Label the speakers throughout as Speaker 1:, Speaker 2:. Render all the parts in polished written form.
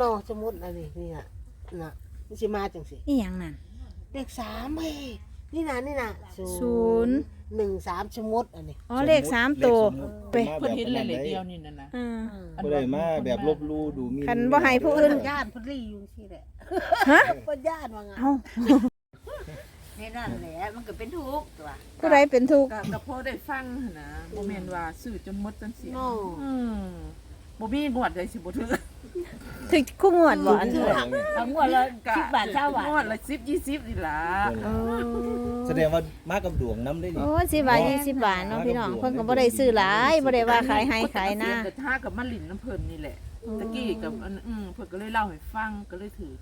Speaker 1: นอสมุดอันนี้นี่น่ะมันสิมาจังสิ
Speaker 2: อีหยังนั่น
Speaker 1: เลข3เฮ้ยนี่น่ะ
Speaker 2: ศูนย์
Speaker 1: 1 3สมุดอันนี้
Speaker 2: อ๋อเลข3ตัวไป
Speaker 3: เพิ่นเห็นเลยเดียวนี่นั่นน่ะ
Speaker 4: บ่ได้มาแบบลบลู่ดูมี
Speaker 2: คันบ่ให้ผู้อื่น
Speaker 1: ย่านเพิ่นรีอยู่สิแหละ
Speaker 2: ฮะ
Speaker 1: เพิ่นย่านว่าไง
Speaker 2: เอ้า
Speaker 5: นี่นั่นแหละมันก็เป็นทุกข์ตัว
Speaker 2: ผู้ใดเป็นทุกข์
Speaker 6: ก็พอได้ฟังหั่นนะบ่แม่นว่าซื้อจนหมดจนเสีย
Speaker 1: เนาะ
Speaker 6: บ่มีงวดใดสิบ่ถือ
Speaker 2: ถึกคู่งวดบ่อันนี้
Speaker 5: ทั้งหมดละ10 บาท20 บาท
Speaker 6: งวดละ10 20นี่ล่ะ
Speaker 2: โอ้
Speaker 4: แสดงว่ามากับดวงน้ำได้นี่
Speaker 2: โอ้10 บาท20 บาทเนาะพี่น้องเพิ่นก็บ่ได้ซื้อหลายบ่ได้ว่าขายให้ขายหน้า
Speaker 6: แต่ถ้ากับมาลิ้นน้ำเพิ่นนี่แหละตะกี้กับอันเพิ่นก็เลยเล่าให้ฟังก็เลยถือ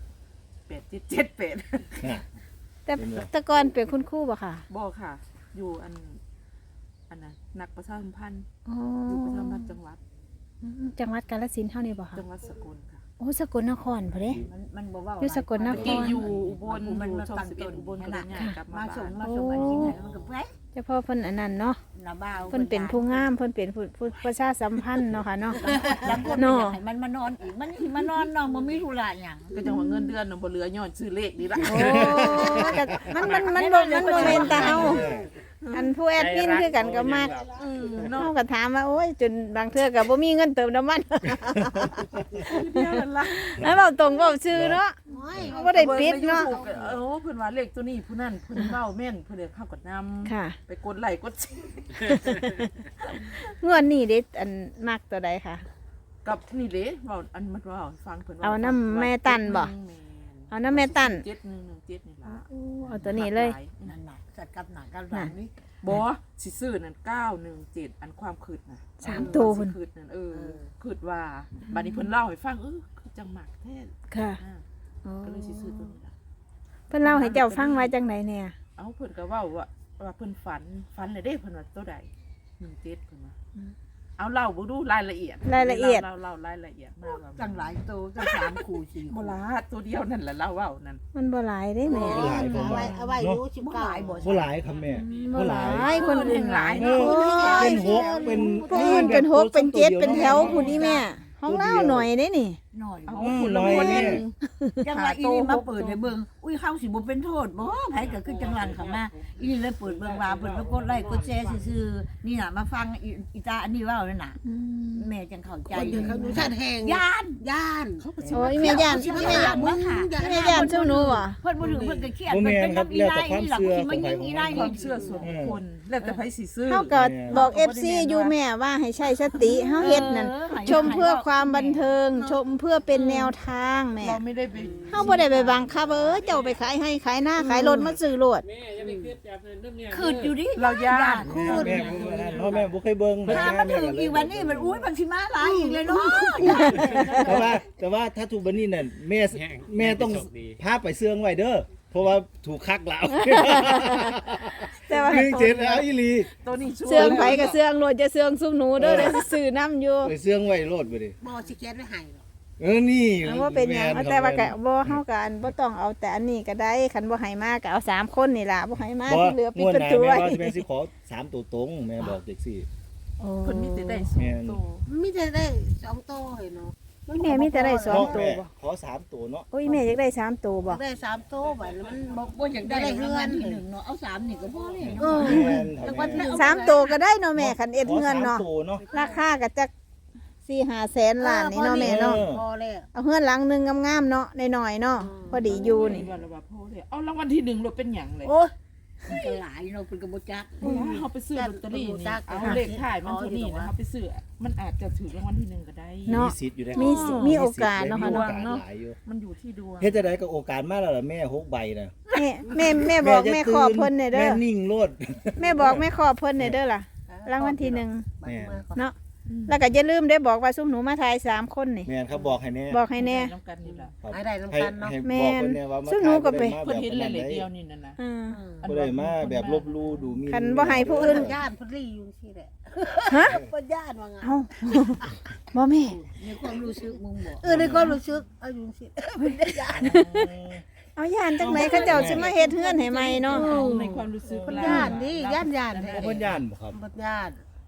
Speaker 6: 8778
Speaker 4: น่ะ
Speaker 2: แต่ก่อนเป็นคุณครูบ่ค่ะ
Speaker 6: บ่ค่ะ อยู่อันน่ะนักประชาสัมพันธ์
Speaker 2: อ๋อ
Speaker 6: อยู่ประชาสัมพันธ์จังหวัด
Speaker 2: จังหวัดกาฬสินธุ์เฮานี่บ่ค่ะ
Speaker 6: จังหวัดสกลค่ะ
Speaker 2: โอ้สกลนครพุ่นเด้
Speaker 5: มันบ่เว้า
Speaker 2: อยู่สกลนคร
Speaker 6: ตะกี้อยู่อุบล
Speaker 5: มัน
Speaker 6: อยู่
Speaker 5: มา
Speaker 6: ช่อง
Speaker 5: ตั้งต้น
Speaker 6: 11อุบลก็เลยย้ายกลับมา
Speaker 5: มาส่ง
Speaker 6: บ้าน
Speaker 5: มาส่งอันนี้ให้มันก็ไป
Speaker 2: เฉพาะเพิ่นอันนั้นเนาะ
Speaker 5: ละบ้าว
Speaker 2: เพิ่นเป็นผู้งามเพิ่นเป็นผู้ประชาสัมพันธ์เนาะค่ะเนาะ
Speaker 5: แล้วคน
Speaker 2: เนาะ
Speaker 5: ให้มันมานอนอีกมันสิมานอนน้องบ่มีธุระหยัง
Speaker 6: ก็จังว่าเงินเดือนน่ะบ่เหลือย้อนซื้อเลขนี่ล่ะ
Speaker 2: โอ้ก็มันบ่แม่นตาเฮาอันผู้แอดมินคือกันก็มักเฮาก็ถามว่าโอ้ยจนบางเทื่อก็บ่มีเงินเติมน้ำมัน
Speaker 6: เดียวนั่นล่ะ
Speaker 2: แล้วเว้าตรงเว้าชื่อเนาะบ่ได้ปิดเนาะ
Speaker 6: เพิ่นว่าเลขตัวนี้ผู้นั้นเพิ่นเว้าแม่นเพิ่นเลยเข้ากับนำ
Speaker 2: ค่ะ
Speaker 6: ไปกดไลค์กดแชร์
Speaker 2: งวดนี้เด้อันมักตัวใดค่ะ
Speaker 6: กับนี่เด้เว้าอันมันเว้าให้ฟังเพิ่น
Speaker 2: เอาน้ำแม่ตันบ่ เอาน้ำแม่ตั้น
Speaker 6: 7117นี่ล่ะ
Speaker 2: เอาตัวนี้เลย
Speaker 5: นั่นน่ะสัตว์กับหนักกับหลังนี่
Speaker 6: บ่สิซื้อนั่น917อันความคิดน่ะ
Speaker 2: 3ตัว
Speaker 6: ค
Speaker 2: เพิ่น
Speaker 6: คิดนั่นคิดว่าบัดนี้เพิ่นเล่าให้ฟังคือจังหมักแท้
Speaker 2: ค่ะ
Speaker 6: ก็เลยสิซื้อตัวนี้ล่ะ
Speaker 2: เพิ่นเล่าให้เจ้าฟังไว้จังไดเนี่ย
Speaker 6: เอาเพิ่นก็เว้าว่าเพิ่นฝันเลยเด้เพิ่นว่าตัวใด17เพิ่นว่าเอาเล่าบ่ดูรายละเอียด
Speaker 2: รายละเอียด
Speaker 6: เล่ารายละเอียดมาว่า
Speaker 5: ตั้งหลายตัวตั้ง3คู่4
Speaker 6: โบราณตัวเดียวนั่นแหละเล่าเว้านั่น
Speaker 2: มันบ่หลายเด้แม่
Speaker 4: บ่หลายผมว่า
Speaker 1: เอาไว้อยู่
Speaker 5: บ่หลายบ่
Speaker 4: บ่หลายครับแม่
Speaker 2: บ่หลายคนอื่นหลายเด้
Speaker 4: เป็นหกเป็น
Speaker 2: ผู้อื่นเป็นหกเป็นเจ็ดเป็นแถวผู้นี้แม่ห้องเล่าหน่อยเด้นี่
Speaker 5: หน่อย
Speaker 6: เอา
Speaker 5: บ่
Speaker 6: คนละ
Speaker 4: น้อย
Speaker 6: คน
Speaker 4: แน่
Speaker 6: นึง
Speaker 5: จังว่าอีนี่มาเปิดให้เบิ่งอุ้ยเฮาสิบ่เป็นโทษบ่ไผก็คือจังหลังเข้ามาอีนี่เลยเปิดเบิ่งว่าเพิ่นไปกดไลค์กดแชร์ซื่อๆนี่น่ะมาฟังอีตาอันนี้เว้านั่นน่ะแม่จังเข้าใจ
Speaker 1: คนอยู่เขาดูชาติแห่ง
Speaker 5: ย่าน
Speaker 1: ย่าน
Speaker 2: โอ้ยแม่ย่าน
Speaker 5: สิ
Speaker 2: แม่
Speaker 5: มา
Speaker 2: ย่า
Speaker 5: ย่าน นบ่ค่ะ
Speaker 2: แม่ย่านเจ้าหนูอ่ะ
Speaker 5: เพิ่นบ่ถึงเพิ่นก็เครียด
Speaker 4: บ่
Speaker 5: เพิ่น
Speaker 4: แม่
Speaker 5: เป็น น
Speaker 4: ครับ
Speaker 5: อี
Speaker 4: แล้ว
Speaker 5: ได้
Speaker 4: แต่ความ
Speaker 5: อีหลับ
Speaker 4: เชื่อ
Speaker 5: สิ
Speaker 4: ข
Speaker 5: มา
Speaker 4: องใคร
Speaker 5: ยิง
Speaker 4: ของ
Speaker 5: อี
Speaker 4: มัน
Speaker 5: ได้
Speaker 6: ควา
Speaker 5: นี่
Speaker 6: มเชื่อส่วนบุคคลแล้วแต่ไผสิซื้อ
Speaker 2: เฮาก็บอก FC อยู่แม่ว่าให้ใช้สติเฮาเฮ็ดนั่นชมเพื่อความบันเทิงชมเพื่อเป็นแนวทางแม่
Speaker 6: เราไม่ได้ไป
Speaker 2: เฮาบ่ได้ไปบังคับเจ้าไปขายให้ขายหน้าขายรถมาซื้อรถ
Speaker 5: คืดอยู่ดิ
Speaker 6: เราย่าน
Speaker 4: แม่พ่อแม่บ่เคยเบิ่ง
Speaker 5: ถ้ามันถึงอีกวันนี้มันอุ้ยมันสิมาหลายอีกเลยเนาะ
Speaker 4: แต่ว่าถ้าถูกบันนี้นั่นแม่ต้องพาไปเสื่องไว้เด้อเพราะว่าถูกคักแล้ว
Speaker 2: แต่ว่า
Speaker 4: 17แล้วอีหลี
Speaker 6: ตัวนี้ช่วย
Speaker 2: เสื่องไผก็เสื่องรถจะเสื่องซุมหนูเด้อเดี๋ยวสิซื้อน้ำอยู่
Speaker 4: ไปเสื่องไว้โลดไปดิ
Speaker 1: บ่สิเขียนไว้ให้หรอก
Speaker 4: นี่
Speaker 2: เอาว่าเป็นหยังเอาแต่ว่าก็บ่เฮาก็อันบ่ต้องเอาแต่อันนี้ก็ได้คันบ่ให้มาก็เอา3คนนี่ล่ะบ่ให้มาที่เหลือปิดประตู
Speaker 4: แม่
Speaker 2: ไว้
Speaker 4: ว่าแม่สิขอ3ตัวตรงแม่บอกเด็กสิ
Speaker 2: โอ้
Speaker 6: คนมีแต่ได้สองตัว
Speaker 1: มันมีแต่ได้2โตเห็นเนาะ
Speaker 2: แม่มีแต่ได้2ตัวบ่
Speaker 4: ขอ3ตัวเนาะ
Speaker 2: โอ้ยแม่อยากได้3ตัวบ่
Speaker 1: ได้3โตบัดแล้วมันบ่
Speaker 5: บ่อยากได้เงินที่หนึ่งเนาะเอา3นี่ก็พอเลย
Speaker 1: เอ
Speaker 5: เนาะ
Speaker 1: อ
Speaker 2: 3ตัวก็ได้เนาะแม่คันเอ็ดเงินเนาะ
Speaker 4: ขอ3ตัวเนาะ
Speaker 2: ราคาก็จัก4-5 แสนล้านนี่เนาะแม่เนาะ
Speaker 1: พอแล้ว
Speaker 2: เอาเฮือนหลังหนึงงามๆเนาะน้อยๆเนาะพอดีอยู่นี่
Speaker 6: วันละว่าพ่อเลยเอารางวัลที่1เราเป็นหยังเลย
Speaker 1: โอ้ย
Speaker 5: ก็หลายเนาะเพิ่นก็บ่จัก
Speaker 6: เขาไปซื้อลอตเตอรี่นี่เอาเลขท้ายมันเท่านี้นะเขาไปซื้อมันอาจจะถือรางวัลที่1ก็ได้
Speaker 2: เนาะ
Speaker 4: มีสิทธิ์อยู่ได้
Speaker 2: มีโอกาสเนาะค่ะเนาะ
Speaker 4: มีโอกสหลายอยู่
Speaker 6: มันอยู่ที่ดวง
Speaker 4: เฮ็ดจังได๋ก็โอกาสมาแล้วล่ะแม่6ใบน่ะ
Speaker 2: แม่บอกแม่ขอเพิ่นเนี่ยเด้
Speaker 4: แม่
Speaker 2: อ
Speaker 4: นิ่งโลด
Speaker 2: แม่บอกแม่ขอเพิ่นเนี่ยเด้อล่ะรางวัลที่
Speaker 1: บัดมาก่อน
Speaker 2: 1เนาะแล้วก็อย่าลืมได้บอกว่าซุมหนูมาทาย3คนนี่
Speaker 4: แม่นครับบอกให้แน่
Speaker 2: บอกให้แน่
Speaker 6: น้ำกันนี่ล่ะ
Speaker 4: ครับ
Speaker 1: ให้ได้นำกันเนาะ
Speaker 4: ให้
Speaker 2: แม่
Speaker 4: บอก
Speaker 2: น
Speaker 4: เพิ่นแน่ว่ามา
Speaker 2: ซึ่งหนูก็ไป
Speaker 6: เพิ่นเห็นเลยเดียวนี่นั่นน่ะ
Speaker 2: อืม
Speaker 4: บ่ได้มาแบบลบลู่ดูมี
Speaker 2: คันบ่ให้ผู้อื่น
Speaker 1: ย่านเพิ่นรีอยู่สิแหละ
Speaker 2: ฮะ
Speaker 1: เพิ่นย่านว่าไง
Speaker 2: เอ้าบ่แม่
Speaker 5: ในความรู้สึกมึงบอก
Speaker 1: ในความรู้สึกเอาอยู่สิเพิ่นได้ย่าน
Speaker 2: เอาย่านจังไหนเขาเจ้าสิมาเฮ็ดเฮือนให้ใหม่เนาะ
Speaker 6: ในความรู้สึก
Speaker 1: เพิ่นย่านนี่ย่านแท้
Speaker 4: เพิ่นย่านบ่ครับ
Speaker 1: เพิ่นย่าน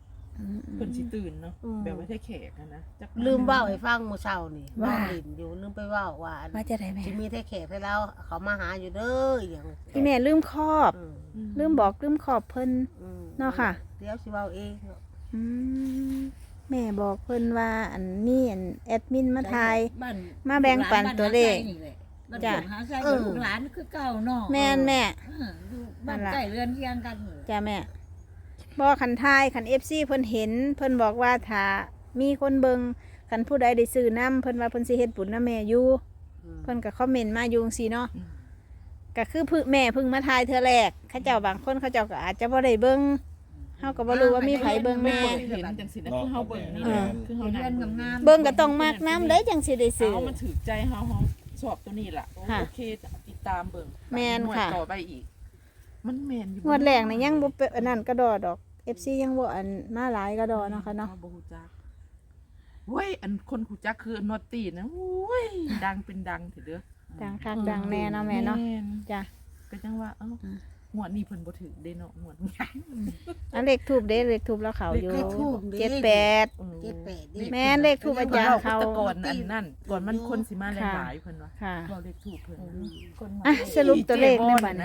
Speaker 6: เพิ่นสิตื่นเนาะแบบว่าได้แขกอะนะจัก
Speaker 1: ลืมเว้าให้ฟังมื้อเช้านี่
Speaker 2: ว่า
Speaker 1: ลิ้นอยู่ลืมไปเว้าว่าอัน
Speaker 2: ว่าจะได้แม่
Speaker 1: สิมีแท้แขกให้เราเขามาหาอยู่เด้ออหยัง
Speaker 2: พี่แม่ลืมครอบ
Speaker 1: อืม
Speaker 2: ลืมบอกลืมขอบเพิ่น
Speaker 1: อืม
Speaker 2: เนาะค่ะ
Speaker 1: เดี๋ยวสิเว้าเอง
Speaker 2: อืมแม่บอกเพิ่นว่าอันนี้อันแอดมินมาทาย
Speaker 5: บ้น
Speaker 2: มาแบ่งปันตัวเลข
Speaker 5: บ้าน
Speaker 2: จ้ะ
Speaker 5: หาไส้กับลูกหลานคือเก่าเนาะ
Speaker 2: แม่นแม่
Speaker 5: อยู่บ้านใกล้เรือนเคียงกันเลย
Speaker 2: จ้าแม่บอกคันทายคัน FC เพิ่นเห็น เพิ่นบอกว่าถ้ามีคนเบิงคันผู้ใดได้ซื้อน้ำเพิ่นว่าเพิ่นสิเฮ็ดบุญนำแม่อยู่เพิ่นก็คอมเมนต์มาอยู่จังซี่เนาะก็คือแม่เพิ่งมาทายเทื่อแรกเขาเจ้าบางคนเขาเจ้าก็อาจจะบ่ได้เบิ่งเฮาก็บ่รู้ว่ามีไผเบิ่งแม่
Speaker 6: เห็นจังสินะคือเฮาเบิ่งนี่
Speaker 2: เออ
Speaker 6: คือเฮา
Speaker 5: เรือน
Speaker 6: นั่ง
Speaker 5: งามๆ
Speaker 2: เบิ่งก็ต้องมักน้ำได้จังสิได้ซื้อ
Speaker 6: เอามันถือใจเฮาชอบตัวนี้ล่ะ
Speaker 2: ค่ะ
Speaker 6: โอเคติดตามเบิ่ง
Speaker 2: แม่นค่ะ
Speaker 6: งวดต่อไปอีก มันแม่นอยู่
Speaker 2: งวดแรกนี่ยังบ่เป็นอันนั้นกระดอดอก FC ยังบ่อันมาหลายกระดอเนาะค่ะเนาะ
Speaker 6: บ่ฮู้จักเว้ยอันคนฮู้จักคือนอตตี้นะโอ้ยดังเป็นดังเถอะเด้อ
Speaker 2: ดังคักดังแน่เนาะแม่เนาะ
Speaker 6: น
Speaker 2: จ้ะ
Speaker 6: ก็จังว่าหวดนี้เพิ่นบ่ถือเด้เนาะหวดนี้
Speaker 2: อันเลขทูบเด้เลขทูบแล้วเขาอยู่
Speaker 1: เลขทูปเด้
Speaker 2: 78
Speaker 1: 78นี่
Speaker 2: แม่นเลขทูปอาจารย์เขา
Speaker 6: แต่ก่อนอันนั้นก่อนมันคนสิมา
Speaker 2: ค่ะ
Speaker 6: หลายๆเพิ่นว่า
Speaker 2: ค่ะ
Speaker 6: เราเลขถูกเพิ่น
Speaker 2: อ่ะสรุปตัวเลขในบัด
Speaker 6: นะ
Speaker 2: นะ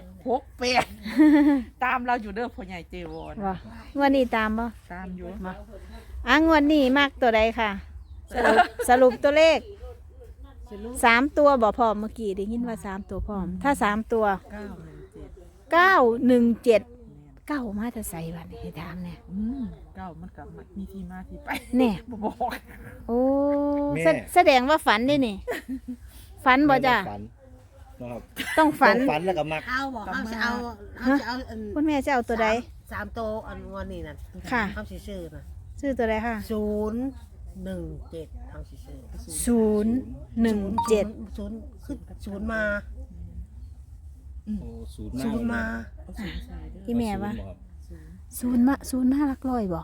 Speaker 6: 68ตามเราอยู่เด้อพ่อใหญ่เจวอน
Speaker 2: ว่างวดนี้ตามบ่
Speaker 6: ตามอยู่
Speaker 2: งวดนี้มากตัวใดค่ะ สรุปตัวเลข3ตัวบ่พร้อมเมื่อกี้ได้ยินว่า3ตัวพร้อม ถ้า3ตัว
Speaker 6: 917
Speaker 2: 917 9มาแต่ใส่บัดนี้ให้ถามแน่
Speaker 6: เก้ามันก็มีที่มาที่ไป
Speaker 2: แน่
Speaker 6: บ่บอก
Speaker 2: โอ้
Speaker 4: แม่
Speaker 2: แสดงว่าฝันได้นี่ ฝันบ่จ้ะ
Speaker 4: ฝันนะครับ
Speaker 2: ต้องฝัน
Speaker 4: ต้องฝันแล้วก็มัก
Speaker 1: เอาบอกเขาจะเอาอัน
Speaker 2: คุณแม่จะเอาตัวใด
Speaker 1: สามโตวอันงอนนี่นั่น
Speaker 2: ค่ะ
Speaker 1: เขาสิซื้อน่ะ
Speaker 2: ชื่อตัวใดค่ะ
Speaker 1: 017เขาสิซื้อ
Speaker 2: 017
Speaker 1: ศูนย์ขึ้นศูนย์มา
Speaker 4: โอ้ศูนย์
Speaker 1: ศูนย์มา
Speaker 6: เอาสูงใส่เด้อ
Speaker 2: อีแม่ว่า
Speaker 4: ศูนย์บ่ครับ
Speaker 2: ศูนย์มาหลักร้อยบ่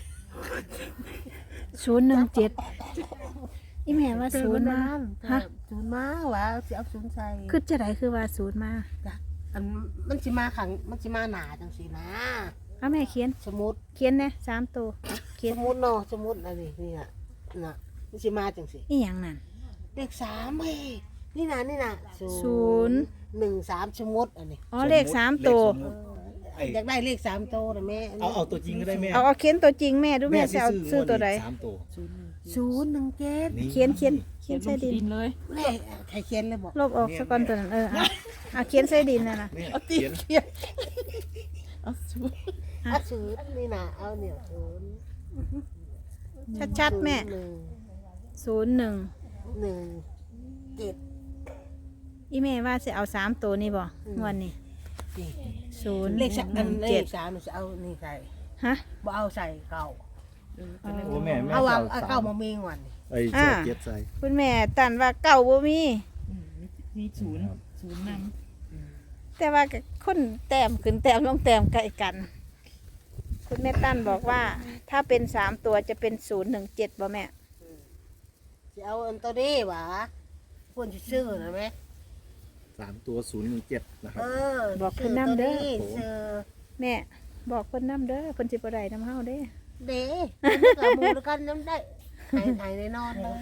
Speaker 2: 017อีแม่ว่าศูนย์มาฮะ
Speaker 1: ศูนย์มาว่าสิเอาศูนย์ใส่
Speaker 2: คือจะไดคือว่าศูนย์มา
Speaker 1: อันมันสิมาขังมันสิมาหนาจังสินะ
Speaker 2: เอาแม่เขียน
Speaker 1: สมุด
Speaker 2: เขียนแน่3ตัวเขียน
Speaker 1: สมุดเนาะสมุดอันนี้นี่น่ะมันสิมาจังสิ
Speaker 2: อีหยังนั่น
Speaker 1: เลข3เฮ้ยนี่น่ะ 013สมุดอันนี้
Speaker 2: อ๋อเลข3ตัว
Speaker 4: ไอ้
Speaker 1: อยากได้เลข3โตวนะแม่
Speaker 4: เอาตัวจริงก็ได้แม่
Speaker 2: เอาเขียนตัวจริงแม่ดูแม่จะเอาซื้อตัวใด
Speaker 4: สามตัว
Speaker 1: 017
Speaker 4: นี่
Speaker 2: เขียนใส่ดิน
Speaker 6: ดินเลย
Speaker 1: เลขใครเขียนเลยบอก
Speaker 2: ลบออกซะก่อนตัวนั้นเอาเขียนใส่ดินน่ะนะ
Speaker 4: แม่
Speaker 6: เอาตี
Speaker 4: เขียน
Speaker 6: เขียนเอาสูง
Speaker 1: เอาศูนย์นี่น่ะเอาเนี่ยศูนย์
Speaker 2: ชัดๆแม่
Speaker 1: 1
Speaker 2: 01
Speaker 1: 7
Speaker 2: อีแม่ว่าสิเอา3ตัวนี่บ่งวดนี้
Speaker 1: นี่
Speaker 2: 0
Speaker 1: เลข3อันเลข
Speaker 2: 7
Speaker 1: 3นี่จะเอานี่ใส่
Speaker 2: ฮะ
Speaker 1: บ่เอาใส่เก่า
Speaker 4: โอ้แม่แม่
Speaker 1: เอา
Speaker 4: จะ
Speaker 1: เอา
Speaker 4: เอา
Speaker 1: เก่ามามีงวันนี่
Speaker 4: ไอ้เจ้าเกียรติใส่
Speaker 2: คุณแม่ตันว่าเก่าบ่มี
Speaker 6: มีศูนย์นำ
Speaker 2: แต่ว่าก็คนแต้มขึ้นแต้มลงแต้มใกล้กัน คุณแม่ตั้นบอกว่า ถ้าเป็น3ตัวจะเป็น017บ่แม่
Speaker 1: จะเอาอันตัวนี้หวะควรจะซื้อนะแม่
Speaker 4: 3ตัว017นะครั
Speaker 1: เอบ อ
Speaker 2: บอกเพิ่นนำเด้อ
Speaker 1: ซื้อ
Speaker 2: แม่บอกเพิ่นนำเด้อเพิ่นสิบ่ได้นำเฮาเด้
Speaker 1: เด้กับหมูด้วยกันน้ำได้หายในนอนเลย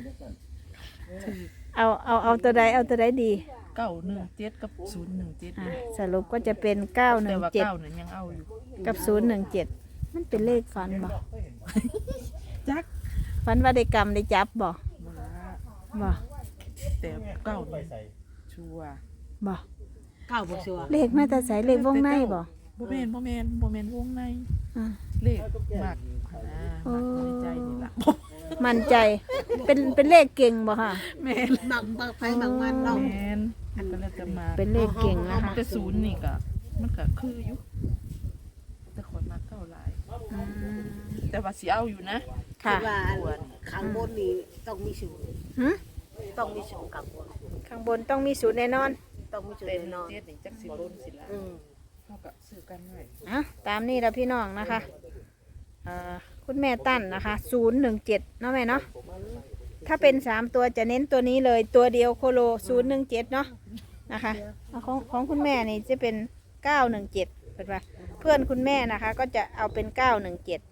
Speaker 2: เอาตัวใดเอาตัวใดดี
Speaker 6: 917กับ017
Speaker 2: อ่ะสรุปก็จะเป็น
Speaker 6: แต่ว่า
Speaker 2: 917
Speaker 6: เก้าเนี่ยยังเอาอยู่
Speaker 2: กับ017มันเป็นเลขฝันบ่
Speaker 6: จัก
Speaker 2: ฝันว่าได้กรรมได้จับบ่
Speaker 6: บ่ละ
Speaker 2: บ่
Speaker 6: แต่เก้านี่ชัวร์
Speaker 2: บ่
Speaker 1: เก้าบ่ชัวร์
Speaker 2: เลขมาแต่ไสเลขวงในบ่
Speaker 6: บ่แม่นวงใน
Speaker 2: อ่ะ
Speaker 6: เลขมากมักในใจนี่ล่ะ
Speaker 2: มั่นใจเป็นเลขเก่งบ่ค่ะ
Speaker 6: แม่น
Speaker 1: บางไฟบางวันเรา
Speaker 6: แม่นก็เลยจะมา
Speaker 2: เป็นเลขเก่งนะคะ
Speaker 6: แต่ศูนย์นี่ก็มันก็คืออยู่แต่คนมาเก้าหลาย แต่ว่าสิเอาอยู่นะ
Speaker 2: ค่ะ
Speaker 1: ว่าข้างบนนี่ต้องมีศูนย์
Speaker 2: หึ
Speaker 1: ต้องมีศูนย์ข้างบน
Speaker 2: ข้างบนต้องมีศูนย์แน่นอน
Speaker 1: ต้องมีศูนย์
Speaker 6: เต็ม
Speaker 1: แน่นอน
Speaker 6: เจ็ดนี่จักสิบนสิละ
Speaker 1: อืม
Speaker 6: เท่ากับซื้อกันไว้
Speaker 2: อ่ะตามนี้แล้วพี่น้องนะคะคุณแม่ตั้นนะคะ017เนาะแม่เนาะถ้าเป็น3ตัวจะเน้นตัวนี้เลยตัวเดียวโคโล017เนาะนะคะเอาของคุณแม่นี่จะเป็น917เป็นว่าเพื่อนคุณแม่นะคะ ก็จะเอาเป็น917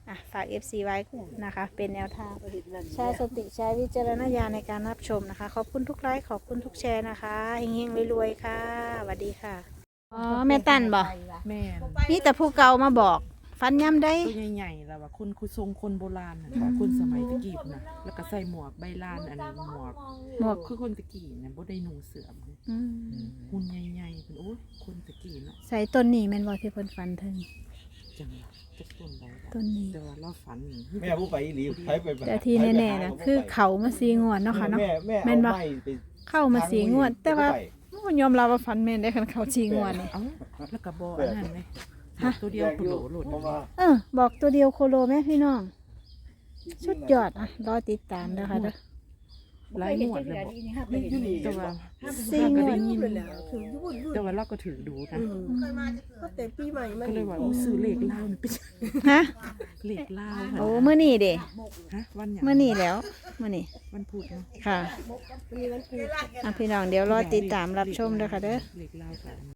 Speaker 2: ฝาก FC ไว้นะคะ เป็นแนวทางใช้สติใช้วิจารณญาณในการรับชมนะคะ ขอบคุณทุกไลค์ขอบคุณทุกแชร์นะคะเฮงๆรวยๆค่ะสวัสดีค่ะอ๋อแม่ตันบอก
Speaker 6: แม่น
Speaker 2: นี่แต่ผู้เก่ามาบอกฟันย่ำได้
Speaker 6: ตัวใหญ่ๆแล้วว่าคนคุทรงคนโบราณน่ะค่ะคนสมัยตะกี้พุ่นน่ะแล้วก็ใส่หมวกใบลานอันหมวก
Speaker 2: หมวก
Speaker 6: คือคนตะกี้น่ะบ่ได้นุ่งเสื้อม
Speaker 2: อืม
Speaker 6: หุ่นใหญ่ๆเพิ่นโอ้ยคนตะกี้เนาะ
Speaker 2: ใส่ต้นนี้แม่นบอกที่เพิ่นฟันถึง
Speaker 6: จังหวะจักต้นใด
Speaker 2: ต้นนี้
Speaker 6: แต่ว่าเราฝันนี่
Speaker 4: แม่ผู้ไปอีหลีไปไป
Speaker 2: แต่ที่แน่ๆนะคือเขามาสีงวดเนาะค่ะเนาะ
Speaker 4: แม่
Speaker 2: แม่นบ่
Speaker 4: เอาไม้ไป
Speaker 2: เข้ามาสีงวด แต่ว่าโอ้ยอมรับว่าฟันแม่นได้คันเขาสีงวดนี่
Speaker 6: เอ้าแล้วก็บ่อันนั้นเลยตัวเดียวโคโลโลด
Speaker 4: เพราะว่า
Speaker 2: บอกตัวเดียวโคโลแม่พี่น้องสุดยอดรอติดตามเด้อค่ะเด้อ
Speaker 6: หลายงวดแล้วบ่แต่ว่า
Speaker 2: สี่งวด
Speaker 6: แต่ว่าเราก็ถือดูนะ
Speaker 1: แต่ปีใหม่มัน
Speaker 6: ก็เลยว่าอู้ซื้อเลขลาวนี่ไป
Speaker 2: ฮะ
Speaker 6: เลขลาว
Speaker 2: โอ้มื้อนี้เด้
Speaker 6: ฮะวันหยัง
Speaker 2: มื้อนี้แล้วมื้อนี้
Speaker 6: วันพุธเนาะ
Speaker 2: ค่ะพี่น้องเดี๋ยวรอติดตามรับชมเด้อค่ะเด้อ
Speaker 6: เลขลาวกัน